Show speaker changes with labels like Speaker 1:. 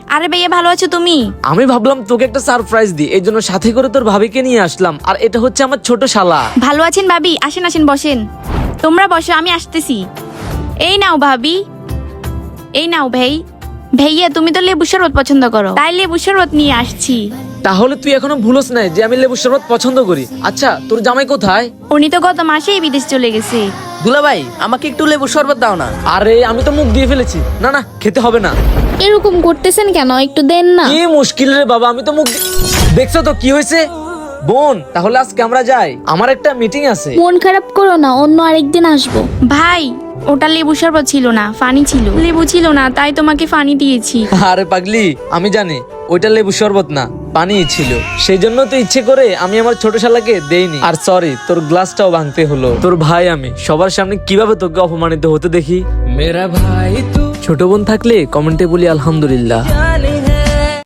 Speaker 1: আরে ভাইয়া ভালো আছো তুমি?
Speaker 2: আমি ভাবলাম তোকে একটা সারপ্রাইজ দিই, এই জন্য সাথে করে তোর ভাবিকে নিয়ে আসলাম। আর এটা হচ্ছে আমার ছোট শালা।
Speaker 1: ভালো আছেন ভাবি? আসেন আসেন বসেন। তোমরা বসো, আমি আসতেছি। এই নাও ভাবি, এই নাও ভাই। ভাইয়া তুমি তো লেবু শরবত পছন্দ করো, তাই লেবু শরবত নিয়ে আসছি।
Speaker 2: তাহলে তুই এখনো ভুলস নাই যে আমি লেবু শরবত পছন্দ করি। আচ্ছা তোর জামাই কোথায়?
Speaker 1: উনি তো গত মাসেই বিদেশ চলে গেছে।
Speaker 3: দুলা ভাই আমাকে একটু লেবু শরবত দাও না।
Speaker 2: আরে আমি তো মুখ দিয়ে ফেলেছি। না না, খেতে হবে না।
Speaker 4: এরকম করতেছেন কেন? একটু দেন না।
Speaker 2: কি মুশকিল রে বাবা, আমি তো মুখ দেখছো তো কি হয়েছে। বোন তাহলে আজকে আমরা যাই, আমার একটা মিটিং আছে।
Speaker 4: মন খারাপ করো না, অন্য আরেকদিন আসবো।
Speaker 1: ভাই ওটা লেবু শরবত ছিল না, ফানি ছিল। লেবু ছিল না তাই তোমাকে ফানি দিয়েছি।
Speaker 2: আরে পাগলি, আমি জানি ওইটা লেবু শরবত না, পানি ছিল। সেই জন্য তো ইচ্ছে করে আমি আমার ছোট শালাকে দেইনি। আর সরি, তোর গ্লাসটাও ভাঙতে হলো। তোর ভাই আমি সবার সামনে কিভাবে তোকে অপমানিত হতে দেখি। মেরা ভাই তু। ছোট বোন থাকলে কমেন্টে বলি আলহামদুলিল্লাহ।